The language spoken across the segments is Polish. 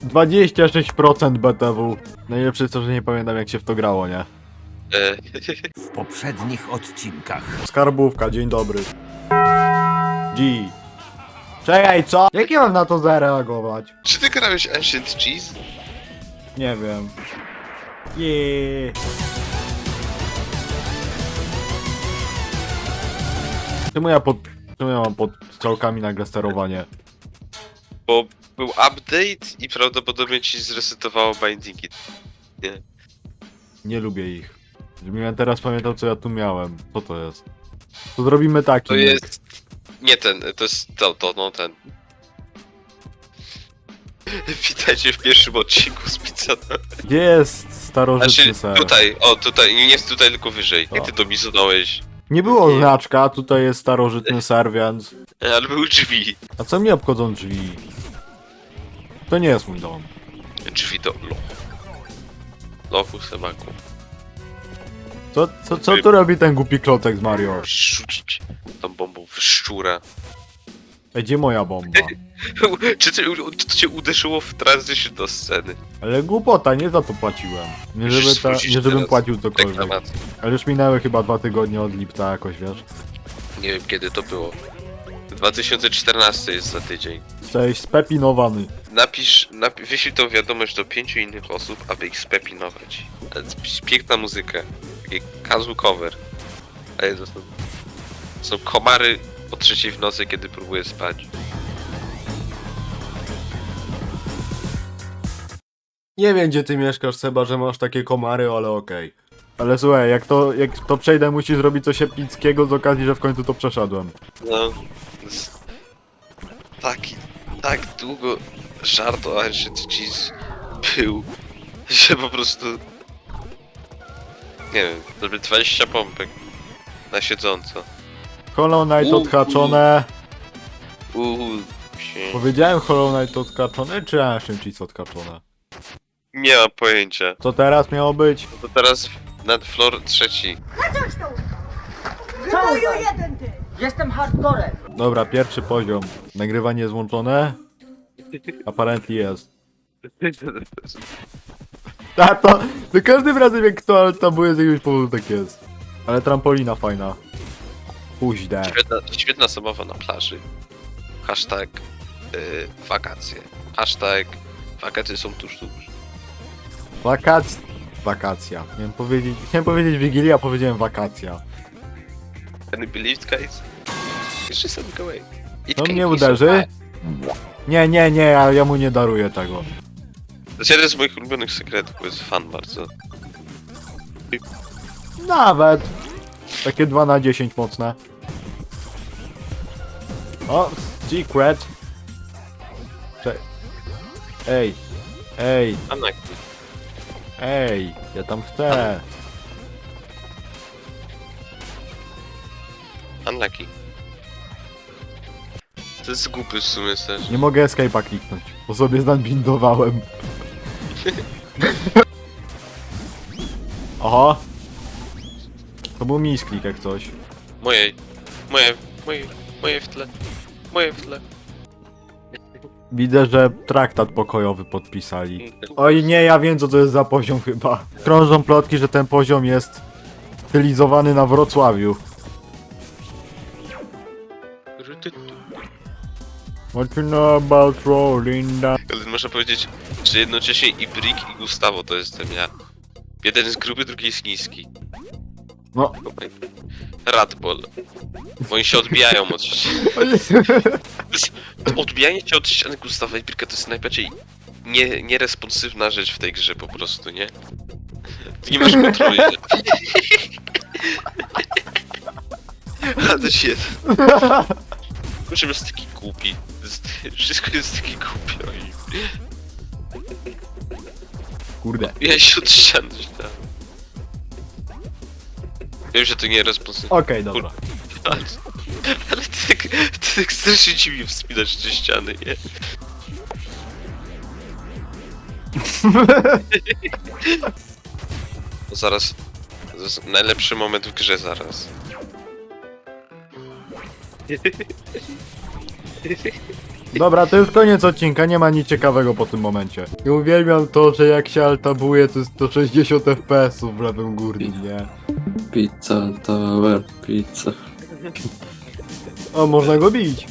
26% BTW. Najlepsze jest to, że nie pamiętam jak się w to grało, nie? W poprzednich odcinkach. Skarbówka, dzień dobry. G. Czekaj, co? Jak ja mam na to zareagować? Czy ty grałeś Ancient Cheese? Nie wiem. Jeee. Czemu ja mam pod strzałkami nagle sterowanie? Bo był update i prawdopodobnie ci zresetowało bindingi. Nie. Nie lubię ich. Żebym ja teraz pamiętał co ja tu miałem. Co to jest? To zrobimy taki. To jest... Nie ten, to jest no ten. Witajcie w pierwszym odcinku z Pizzana. Gdzie jest starożytny Znaczy, ser? tutaj, nie jest tutaj, tylko wyżej. Jak ty to mi zadałeś? Nie było znaczka, tutaj jest starożytny ser, więc... Ale były drzwi. A co mnie obchodzą drzwi? To nie jest mój dom. Drzwi do lochu. Lochu semaku. Co tu robi ten głupi klocek z Mario? Musisz rzucić tą bombą w szczura. Ej, gdzie moja bomba? Czy to cię uderzyło w transition do sceny? Ale głupota, nie za to płaciłem. Musisz wrócić Nie żebym teraz. płacił cokolwiek. Reklamację. Ale już minęły chyba 2 tygodnie od lipca jakoś, wiesz? Nie wiem kiedy to było. 2014 jest za tydzień. Jesteś spepinowany. Wyślij tą wiadomość do 5 innych osób, aby ich spepinować. Ale to jest piękna muzyka. Taki casual cover. Ale to są komary o 3 w nocy, kiedy próbuję spać. Nie wiem gdzie ty mieszkasz, Seba, że masz takie komary, ale okej. Ale słuchaj, jak to przejdę, musisz zrobić coś epickiego z okazji, że w końcu to przeszedłem. No, to jest tak długo żart o Ancient Cheese był, że po prostu... Nie wiem, żeby 20 pompek na siedząco. Hollow Knight odhaczone. Się... Powiedziałem Hollow Knight odhaczone, czy Ancient Cheese odhaczone? Nie mam pojęcia. Co teraz miało być? To teraz nad floor 3. Wyboju jeden ty! Jestem hardcorem. Dobra, pierwszy poziom. Nagrywanie jest włączone? Apparently jest. To każdym razem jak to tabuje z jakiegoś powodu tak jest. Ale trampolina fajna. Puźdę. Świetna zabawa na plaży. Hashtag wakacje. Hashtag wakacje są tuż. Wakacja. Chciałem powiedzieć Wigilia, a powiedziałem wakacja. Can you believe guys? It's just a Mikołaj. To mnie uderzy? Nie, ja mu nie daruję tego. To jest jeden z moich ulubionych sekretów, bo jest fan bardzo. Nawet. Takie 2 na 10 mocne. O, secret. Ej, ja tam chcę. Unlucky. To jest głupy w sumie też. Nie mogę escape'a kliknąć, bo sobie zbindowałem. Oho. To był misklik jak coś. Moje w tle. Moje w tle. Widzę, że traktat pokojowy podpisali. Oj nie, ja wiem co to jest za poziom chyba. Krążą plotki, że ten poziom jest stylizowany na Wrocławiu. What you know about rolling down? Ale można powiedzieć, że jednocześnie i Brick i Gustavo to jestem ja. Jeden jest gruby, drugi jest niski. No. Radbol. Bo oni się odbijają od ściany. Odbijanie się od ściany Gustawa i Bricka to jest najbardziej nieresponsywna rzecz w tej grze po prostu, nie? Ty nie masz kontroli. A to się... Kurczę, jest taki głupi. Wszystko jest takie głupie. Kurde. Ja się od ściany źle. Wiem, że to nie responsywne. Okej, dobra. Ale ty tak strasznie dziwnie wspinasz te ściany, nie? Zaraz. To jest najlepszy moment w grze zaraz. Dobra, to już koniec odcinka, nie ma nic ciekawego po tym momencie. I uwielbiam to, że jak się altabuje, to jest 160 FPS-ów w lewym górnym, nie? Pizza, tower, pizza. O, można go bić.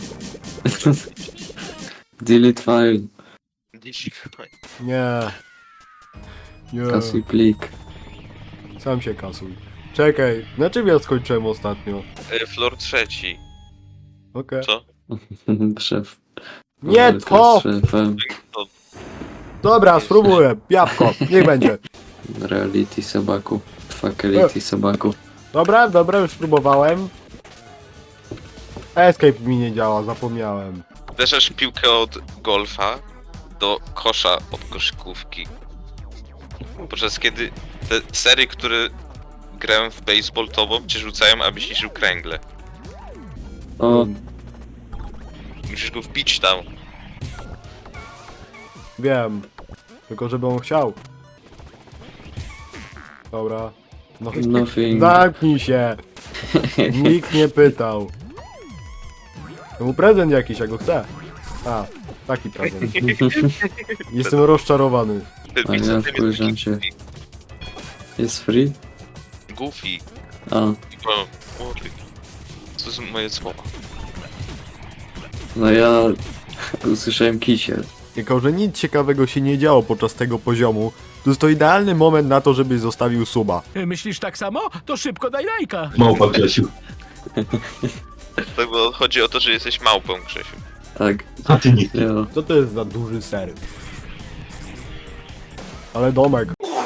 Delete file, Nie. Nie. kasuj plik. Sam się kasuj. Czekaj, na czym ja skończyłem ostatnio? Floor trzeci. Okej. Co? Szef. Nie Walka to! z szefem. Dobra, spróbuję. Jabłko, niech będzie. Reality sobaku. Fatality sobaku. Dobra, już spróbowałem. Escape mi nie działa, zapomniałem. Uderzasz piłkę od golfa do kosza od koszykówki. Podczas kiedy te sery, które grają w baseball tobą, cię rzucają, abyś niszczył kręgle. O, Musisz go wbić tam. Wiem. Tylko żeby on chciał. Dobra. No, nothing. zamknij się. Nikt nie pytał. To mu prezent jakiś, ja go chcę. A, taki prezent. Jestem rozczarowany. A ja wkurzam się. Jest free? Goofy. A, O, to są moje słowa. no ja usłyszałem kisiel. Jako, że nic ciekawego się nie działo podczas tego poziomu, to jest to idealny moment na to, żebyś zostawił suba. Myślisz tak samo? To szybko daj lajka. Małpa Grzesiu. Tak, bo chodzi o to, że jesteś małpą, Grzesiu. Tak, A ty nie. ja. Co to jest za duży ser? Ale domek.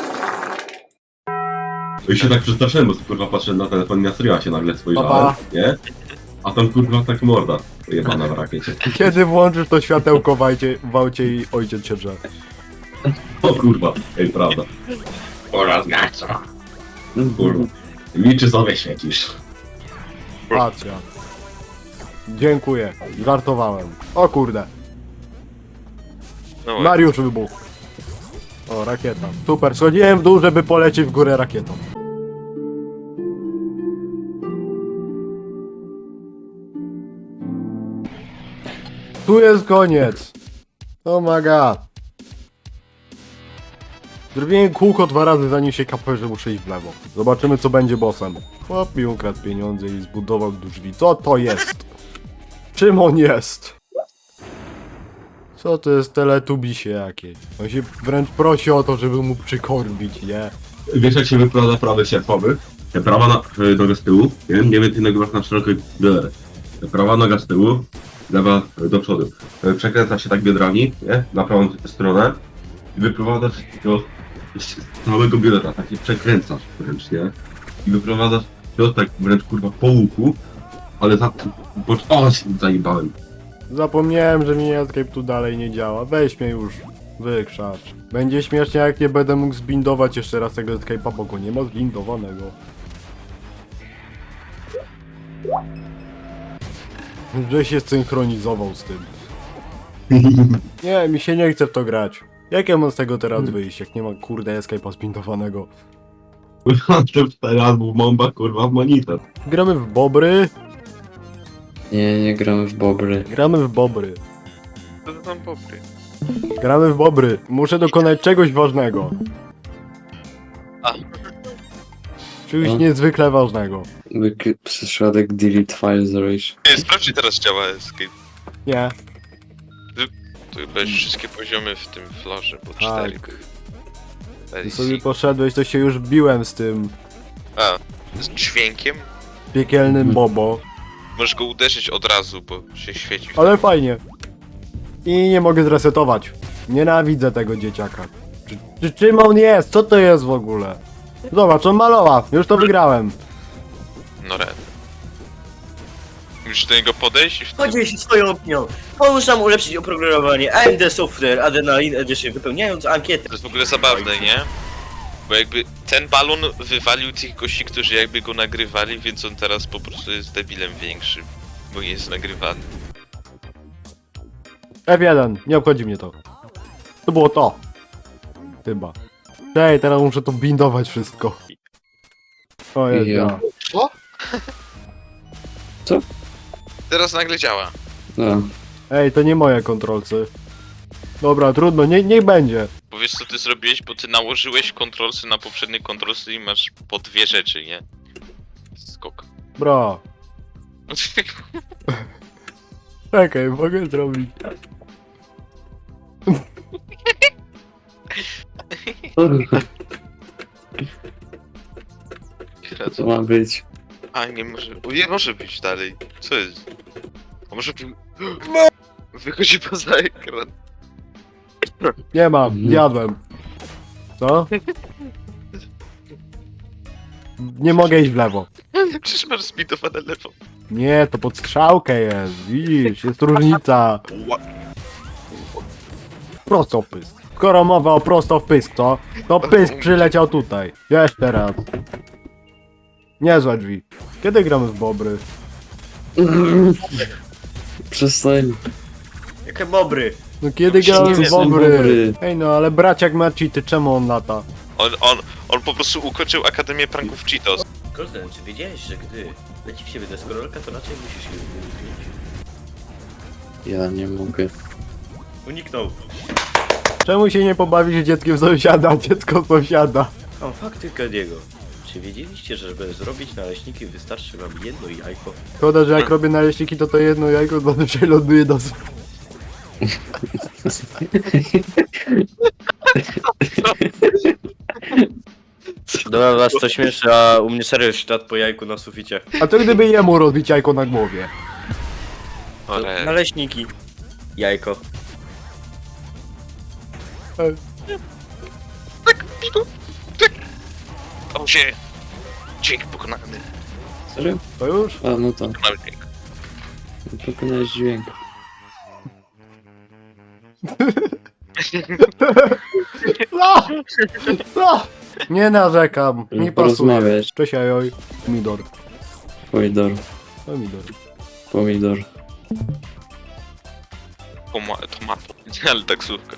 Ja się tak przestraszyłem, bo kurwa patrzę na telefon i na streama się nagle spojrzałem, Papa. nie? A tam kurwa tak morda pojebana w rakiecie. Kiedy włączysz to światełko w aucie i ojciec się drze. O kurwa, ej, prawda. Oraz gaca. Kurwa. Liczy sobie świecisz. Racja. Dziękuję. Żartowałem. O kurde. No, Mariusz wybuchł. O, rakieta. Super, schodziłem w dół, żeby polecieć w górę rakietą. Tu jest koniec. Oh my god. Zrobiłem kółko 2 razy, zanim się kapłem, że muszę iść w lewo. Zobaczymy, co będzie bossem. Chłop mi ukradł pieniądze i zbudował drzwi. Co to jest? Czym on jest? Co to jest teletubisie jakieś? On się wręcz prosi o to, żeby mu przykorbić, nie? Wiesz jak się wyprowadza prawy sierpowy? Prawa noga z tyłu, nie wiem, ty nagrywasz na szerokiej bioderze. Prawa noga z tyłu, lewa do przodu. Przekręca się tak biodrami, nie? Na prawą stronę i wyprowadzasz go z całego biodra, tak się przekręcasz wręcz, nie? I wyprowadzasz go tak wręcz kurwa po łuku, ale za... O, się zajebałem. Zapomniałem, że mi Escape tu dalej nie działa. Weź mnie już. Wykrzacz. Będzie śmiesznie, jak nie będę mógł zbindować jeszcze raz tego Escape'a, bo go nie ma zbindowanego. Że się synchronizował z tym. Nie, mi się nie chce w to grać. Jak ja mam z tego teraz wyjść, jak nie ma kurde Escape'a zbindowanego? Kurwa, to 4 albo bomba kurwa w monitor. Gramy w bobry. Nie gramy w bobry. Gramy w bobry. to tam popry. Gramy w bobry. Muszę dokonać czegoś ważnego. A. Czegoś No. niezwykle ważnego. Przyszładek delete file zrobisz. Nie, sprawdź, czy teraz działa Escape. Nie. Tu chyba już wszystkie poziomy w tym florze, bo 4. Tak. Ty sobie poszedłeś, to się już biłem z tym A, z dźwiękiem? piekielnym bobo. Możesz go uderzyć od razu, bo się świeci. Ale fajnie. I nie mogę zresetować. Nienawidzę tego dzieciaka. Czym on jest? Co to jest w ogóle? Zobacz, on malował. Już to wygrałem. No red. Musisz do niego podejść i wtedy... Podziel się swoją opinią. Pomóż nam ulepszyć oprogramowanie AMD Software Adrenaline Edition, wypełniając ankietę. To jest w ogóle zabawne, nie? Bo jakby ten balon wywalił tych gości, którzy jakby go nagrywali, więc on teraz po prostu jest debilem większym. Bo nie jest nagrywany. F1, nie obchodzi mnie to. To było to. Chyba. Ej, teraz muszę to bindować wszystko. O jest, Ja. ja. Teraz nagle działa. No. Ej, to nie moje kontrolcy. Dobra, trudno, niech będzie. Bo wiesz co ty zrobiłeś, bo ty nałożyłeś kontrolsy na poprzednie kontrolsy i masz po dwie rzeczy, nie? Skok. Bra. Czekaj, mogę zrobić. Co ma być? A nie może. O, nie może być dalej. Co jest? A może być. Wychodzi poza ekran. Nie mam, jadłem. Co? Nie mogę iść w lewo. Przecież masz speedowane lewo. Nie, to pod strzałkę jest, widzisz, jest różnica. Prosto w pysk. Skoro mowa o prosto w pysk, to pysk przyleciał tutaj. Jeszcze raz. Niezłe drzwi. Kiedy gramy w Bobry? Przestań. Jakie bobry. No kiedy gramy Nie w są Bobry? Bobry. Ej no, ale braciak ma cheaty, czemu on lata? On po prostu ukończył Akademię Pranków Cheetos. Golden, czy wiedziałeś, że gdy leci w siebie deskorolka, to raczej musisz się uniknąć? Ja nie mogę. Uniknął. Czemu się nie pobawisz dzieckiem sąsiada, dziecko sąsiada? Mam fakty Kadiego. Czy wiedzieliście, że żeby zrobić naleśniki wystarczy wam jedno jajko? Szkoda, że jak robię naleśniki, to jedno jajko zazwyczaj ląduje do... Dobra, was to śmieszy, a u mnie serio ślad po jajku na suficie. A to gdyby jemu rozbić jajko na głowie? Ale... Naleśniki. Jajko. O się! Dźwięk pokonany. Serio? To już? A, no tak. Pokonany dźwięk. Pokonałeś dźwięk. No! No! Nie narzekam, mi pasuje. Porozmawiać. Cześć ajoj. Pomidor. Pomidor. Pomidor. Pomidor. Tomato. Ale taksówka.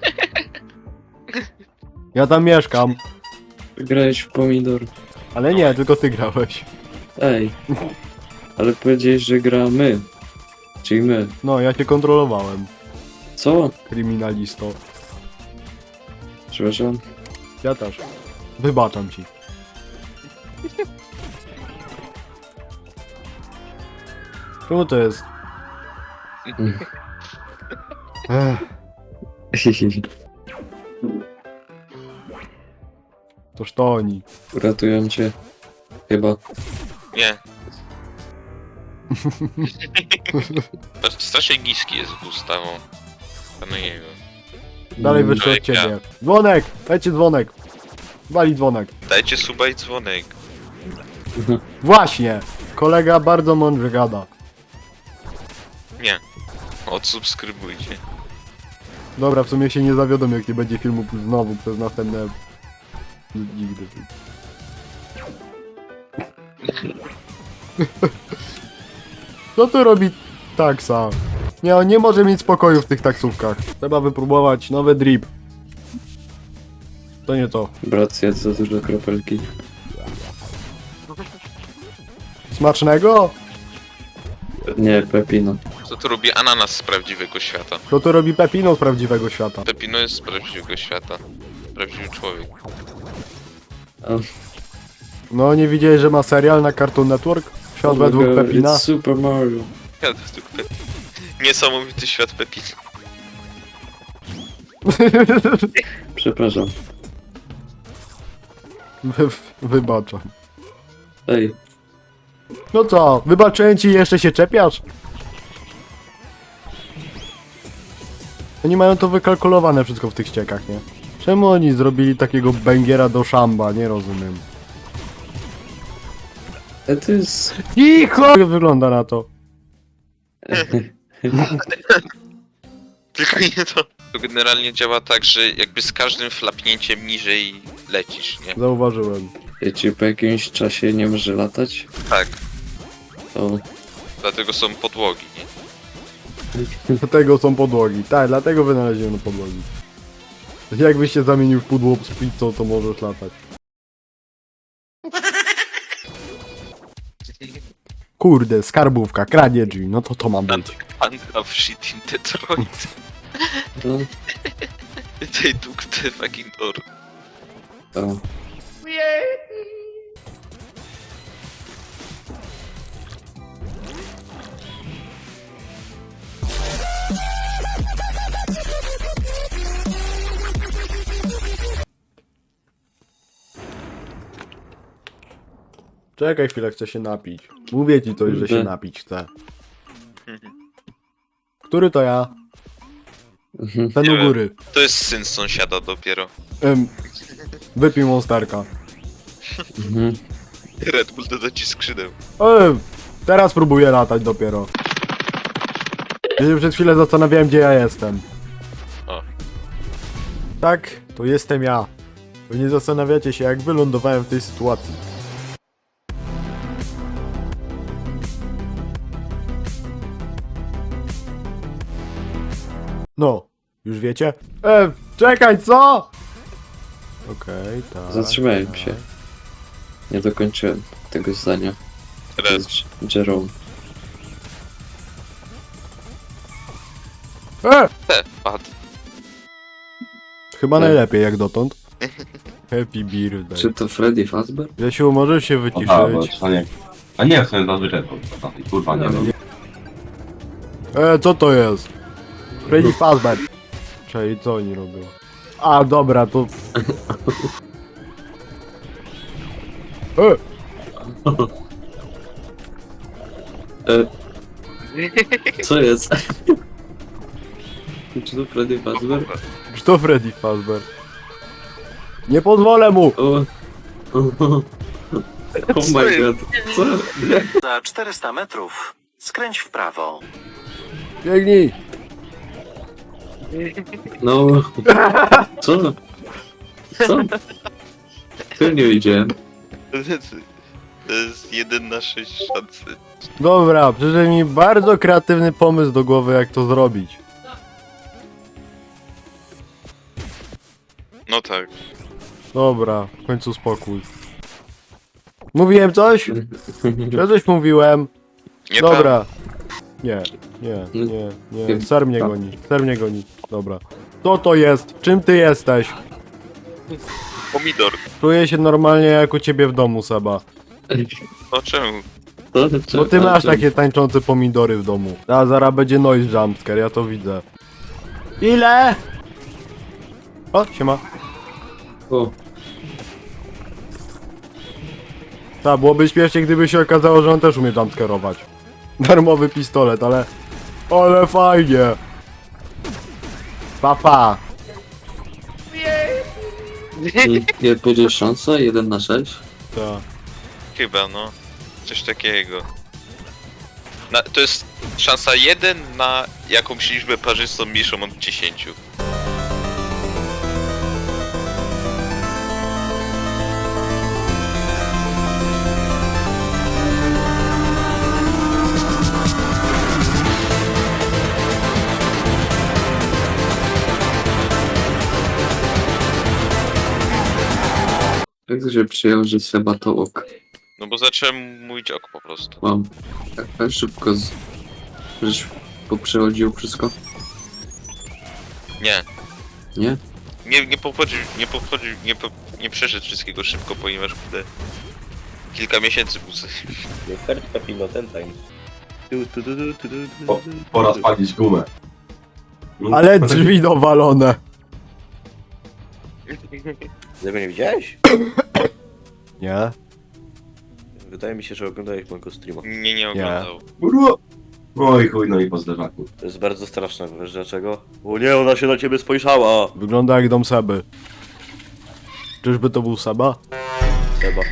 Ja tam mieszkam. Grałeś w pomidor. Ale nie, tylko ty grałeś. Ej. Ale powiedziałeś, że gramy. Czyli my. No, ja cię kontrolowałem. Co? Kryminalisto. Przepraszam. Ja też. Wybaczam ci. Czemu to jest? Ech, toż to oni. Uratują cię. Chyba. Nie. Strasznie niski jest Gustawą. No nie wiem. Dalej wyszło od Człowiek, ciebie. Dzwonek! Dajcie dzwonek. Wali dzwonek. Dajcie suba i dzwonek. Właśnie! Kolega bardzo mądrze gada. Nie. Odsubskrybujcie. Dobra, w sumie się nie zawiodą, jak nie będzie filmu znowu przez następne... Nigdy. Co tu robi taksa? Nie, on nie może mieć spokoju w tych taksówkach. Trzeba wypróbować nowy drip. To nie to. Brat zjadł za dużo kropelki. Smacznego? Nie, Pepino. Co tu robi ananas z prawdziwego świata? To tu robi Pepino z prawdziwego świata. Pepino jest z prawdziwego świata. Prawdziwy człowiek. No, nie widziałeś, że ma serial na Cartoon Network? Świat według God, Pepina? It's Super Mario. Świat według Pepina. Niesamowity świat Pepina. Przepraszam. Wybaczam. Ej, No co, wybaczyłem ci i jeszcze się czepiasz? Oni mają to wykalkulowane wszystko w tych ściekach, nie? Czemu oni zrobili takiego bęgiera do szamba? Nie rozumiem. to jest... Cicho! Jak wygląda na to? Tylko nie to. To generalnie działa tak, że jakby z każdym flapnięciem niżej lecisz, nie? Zauważyłem. Wiecie, po jakimś czasie nie może latać? Tak. To... Dlatego są podłogi, nie? Dlatego są podłogi. Tak, dlatego wynaleziono podłogi. Jakbyś się zamienił w pudło z pizzą, to możesz latać. Kurde, skarbówka, kranie drzwi, no to ma być. Under shit in Detroit. No, They took the fucking door. to. Czekaj chwilę, chcę się napić. Mówię ci coś, że się Kurde. napić chcę. Który to ja? Ten Nie u wiem. góry. To jest syn sąsiada dopiero. Wypij monsterka. Mhm. Red Bull doda ci skrzydeł. Teraz próbuję latać dopiero. Ja się przed chwilę zastanawiałem, gdzie ja jestem. O. Tak, to jestem ja. Wy nie zastanawiacie się, jak wylądowałem w tej sytuacji. No, już wiecie? Czekaj, co? Okej, tak. Zatrzymałem tak. się. Nie dokończyłem tego zdania. To Red. jest Jerome. Padł. Chyba Tak. najlepiej jak dotąd. Happy birthday. Czy to Freddy Fazbear? Jasiu, możesz się Aha, bo wyciszyć? to nie. A nie, w sumie zazwyczaj to. Kurwa, nie wiem. Co to jest? Freddy Fazbear. Czyli co oni robią? A, dobra, to... Co jest? Czy to Freddy Fazbear? Kto Freddy Fazbear? Nie pozwolę mu! O. Oh my god. Co? Za 400 metrów skręć w prawo. Biegnij! No. Co? Co? Tu nie widziałem. To jest 1 na 6 szansy. Dobra, przyszedł mi bardzo kreatywny pomysł do głowy, jak to zrobić. No tak. Dobra, w końcu spokój. Mówiłem coś? Ja coś mówiłem. Nie Dobra. Nie, nie. Ser mnie goni, ser mnie goni. Dobra. Co to jest? Czym ty jesteś? tam. Pomidor. Czuję się normalnie jak u ciebie w domu, Seba. No czemu? Bo ty masz takie tańczące pomidory w domu. A zaraz będzie noise jumpscare, ja to widzę. Ile? O, siema. O, Tak, byłoby śmiesznie, gdyby się okazało, że on też umie jumpscare'ować. Darmowy pistolet, ale... Ale fajnie! Papa! nie będzie szansa? 1 na 6? Ta. Chyba no. Coś takiego. To jest szansa 1 na jakąś liczbę parzystą mniejszą od 10. Jak to się przyjął, że Seba to ok? No bo zacząłem mówić ok po prostu. Mam. Tak szybko żeś poprzechodził wszystko? Nie. Nie? Nie przeszedł wszystkiego szybko, ponieważ kurde, kilka miesięcy był Nie kartka pino, ten time. Pora spalić gumę. Ale drzwi dowalone! Tego nie widziałeś? Nie? Wydaje mi się, że oglądałeś mojego streama. nie oglądał. Kurwa. Oj chuj, no i po zderzaku. To jest bardzo straszne, wiesz dlaczego? O nie, ona się na ciebie spojrzała! Wygląda jak dom Seby. Czyżby to był Seba? Seba.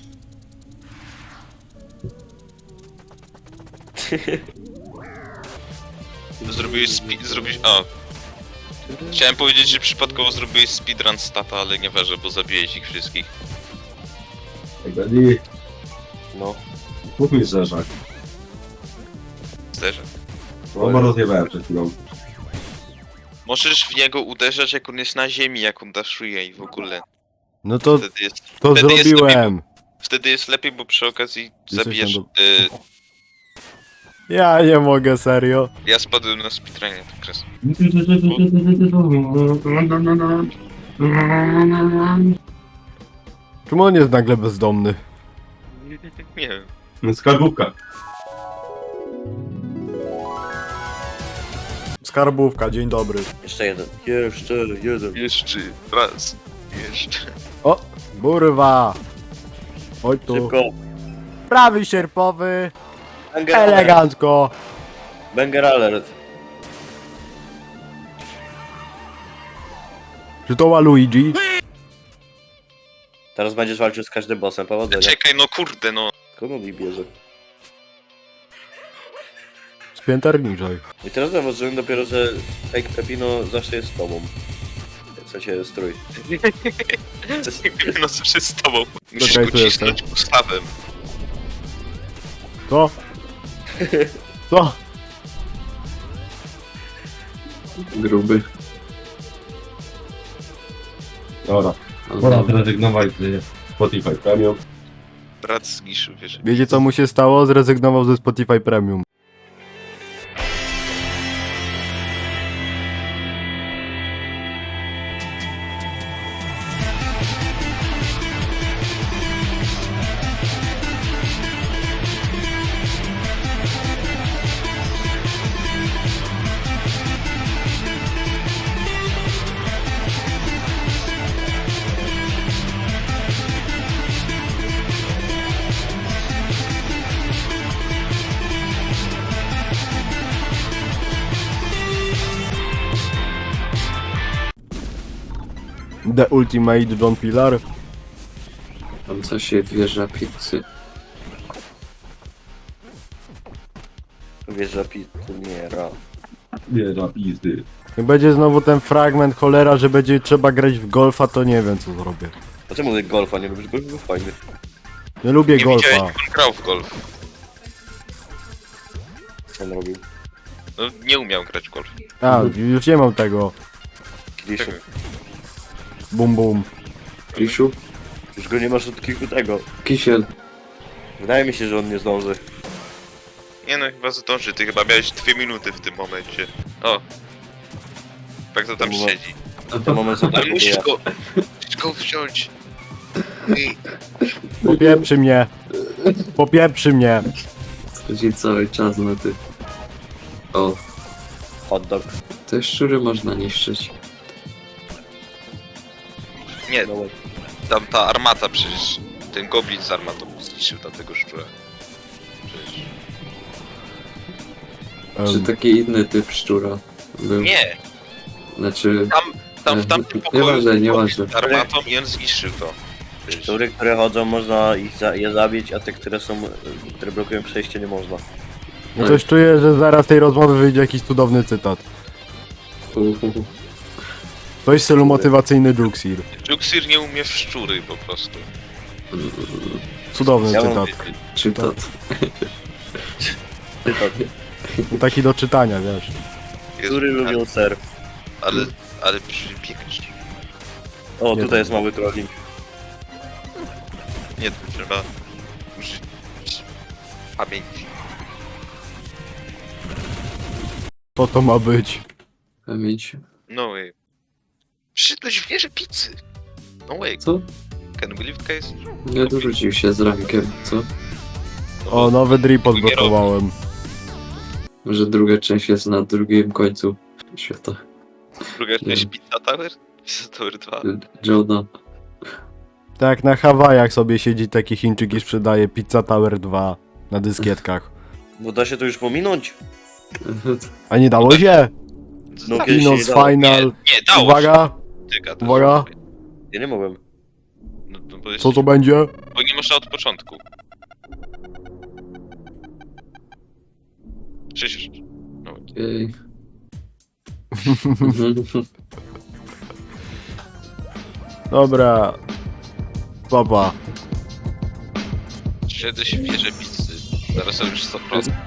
Zrobiłeś. A. Chciałem powiedzieć, że przypadkowo zrobiłeś speedrun stata, ale nie ważę, bo zabiłeś ich wszystkich. Ej, Buddy, No. mów mi zderzak. Zderzę. No bo rozjebałem przed chwilą. Możesz w niego uderzać, jak on jest na ziemi, jak on daszuje i w ogóle. No to, Wtedy jest to wtedy jest zrobiłem. Wtedy jest lepiej, bo przy okazji Jesteś zabijesz tam Ja nie mogę, serio. Ja spadłem na speedrunie, tak kres. Czemu on jest nagle bezdomny? Nie wiem. Skarbówka. Skarbówka, dzień dobry. Jeszcze jeden. Jeszcze jeden. Jeszcze raz. Jeszcze. O, kurwa. Oj tu. Szybko. Prawy sierpowy. Banger alert. Elegancko. Banger alert. Czy to Luigi? Teraz będziesz walczył z każdym bossem, powodzenia. Czekaj, no kurde, no. Kogo mi bierze? Spięter niżej. I teraz zauważyłem dopiero, że Fake Pepino zawsze jest z tobą. W sensie strój. No zawsze z tobą. Musisz Czekaj, go tu jestem. cisnąć ustawem. Co? Co? Gruby. Dobra. Pora zrezygnować z Spotify Premium. Brat z Giszu, wiesz. Wiecie co mu się stało? Zrezygnował ze Spotify Premium. The Ultimate John Pillar. Tam co się wjeżdża pizzy. Wieża pituniera. Nie, za pizdy. Jak będzie znowu ten fragment cholera, że będzie trzeba grać w golfa, to nie wiem co zrobię. A czemu ty golfa nie lubisz? Golf był fajny. Nie lubię Nie golfa. widziałeś, jak on grał w golf. Co on robił? No nie umiał grać w golf. A, już nie mam tego. Kliszu. Bum bum. Krisiu? Już go nie masz od kilku tego. Kisiel. Wydaje mi się, że on nie zdąży. Nie no, chyba zdąży. Ty chyba miałeś 2 minuty w tym momencie. O. Jak to tam To było- siedzi. To moment są Ale tak musisz go wziąć. I Popieprzy mnie. Popieprzy mnie. Chodzi cały czas na ty. O, hot dog. te szczury można niszczyć. nie, No way. tam ta armata przecież. Ten goblin z armatą zniszczył tamtego szczura. Przecież. Czy taki inny typ szczura był? Nie! Znaczy, Tam w tamtym pokoju nieważne, był goblin nieważne. z armatą i on zniszczył to. Przecież. Szczury, które chodzą, można je zabić, a te, które są, które blokują przejście, nie można. No coś czuję, że zaraz z tej rozmowy wyjdzie jakiś cudowny cytat. Coś w stylu motywacyjny Duxir. Juxir nie umie w szczury po prostu. Cudowny Ja mam cytat. wiedzieć. Czytat. Taki do czytania, wiesz. Jezu, Szczury lubią ser. ale przybiegać. O, Nie tutaj jest mały trolling. Nie, to trzeba użyć pamięci. Co to ma być? Pamięć. No way. Przyszedłeś w wieżę pizzy. No way. Co? Can we lift case? Nie odwrócił się z rankiem, co? O, nowy drip odblokowałem. Może druga część jest na drugim końcu świata. Druga część Nie. Pizza Tower? Pizza Tower 2. Johna. Tak, na Hawajach sobie siedzi taki Chińczyk i sprzedaje Pizza Tower 2 na dyskietkach. Bo da się to już pominąć. A nie dało się? No, kiedyś się nie Kinos dało. Final. Nie, dało Uwaga, się. Tyka, to uwaga. jest- Ja nie mogłem. No, bo jest, Co to będzie? Bo nie można od początku. Przecież... No, Jej. Dobra. Papa. Szedłeś w wieżę pizzy. Zaraz robisz 100%.